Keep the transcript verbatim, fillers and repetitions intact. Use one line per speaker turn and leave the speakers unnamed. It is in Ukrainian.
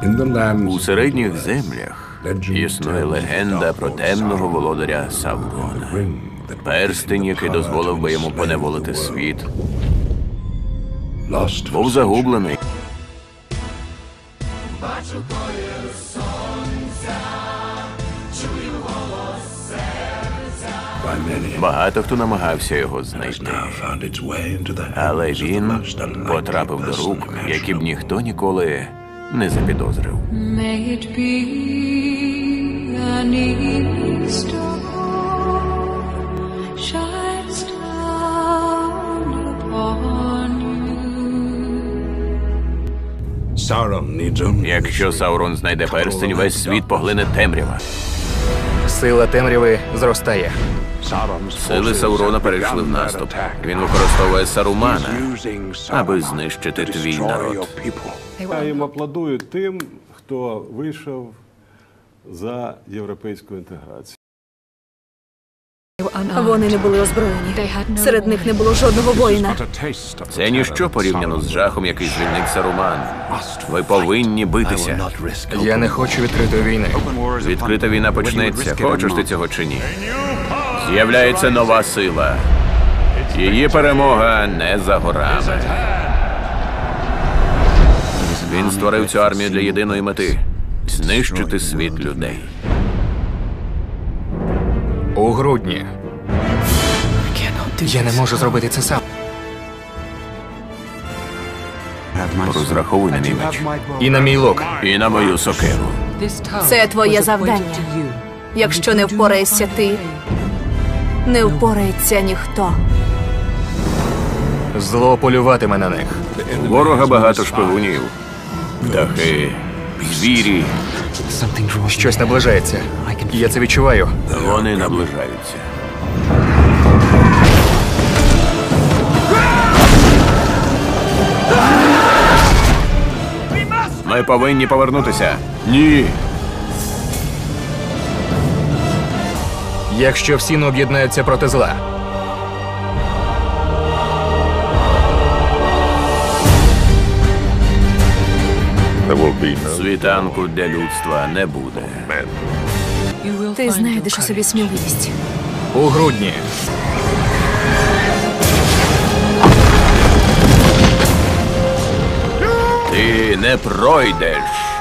У середніх землях існує легенда про темного володаря Саурона. Перстень, який дозволив би йому поневолити світ, був загублений. Багато хто намагався його знайти, але він потрапив до рук, які б ніхто ніколи не запідозрив. Якщо Саурон знайде перстень, весь світ поглине темрява.
Сила темряви зростає.
Сили Саурона перейшли в наступ. Він використовує Сарумана, аби знищити твій народ.
Я їм аплодую тим, хто вийшов за європейську інтеграцію.
Вони не були озброєні. Серед них не було жодного воїна.
Це ніщо порівняно з жахом, який звільнив Саруман. Ви повинні битися.
Я не хочу відкритої війни.
Відкрита війна почнеться, хочеш ти цього чи ні. З'являється нова сила. Її перемога не за горами. Він створив цю армію для єдиної мети – знищити світ людей.
У грудні. Я не можу зробити це сам.
Розраховуй на мій меч.
І на мій лук.
І на мою сокиру.
Це твоє завдання. Якщо не впораєшся ти, не впорається ніхто.
Зло полюватиме на них.
У ворога багато шпигунів. Птахи, звірі.
Щось наближається. Я це відчуваю.
Вони наближаються. Ми повинні повернутися. Ні.
Якщо всі не об'єднаються проти зла.
Світанку для людства не буде.
Ти знайдеш у собі сміливість.
У грудні.
Ти не пройдеш.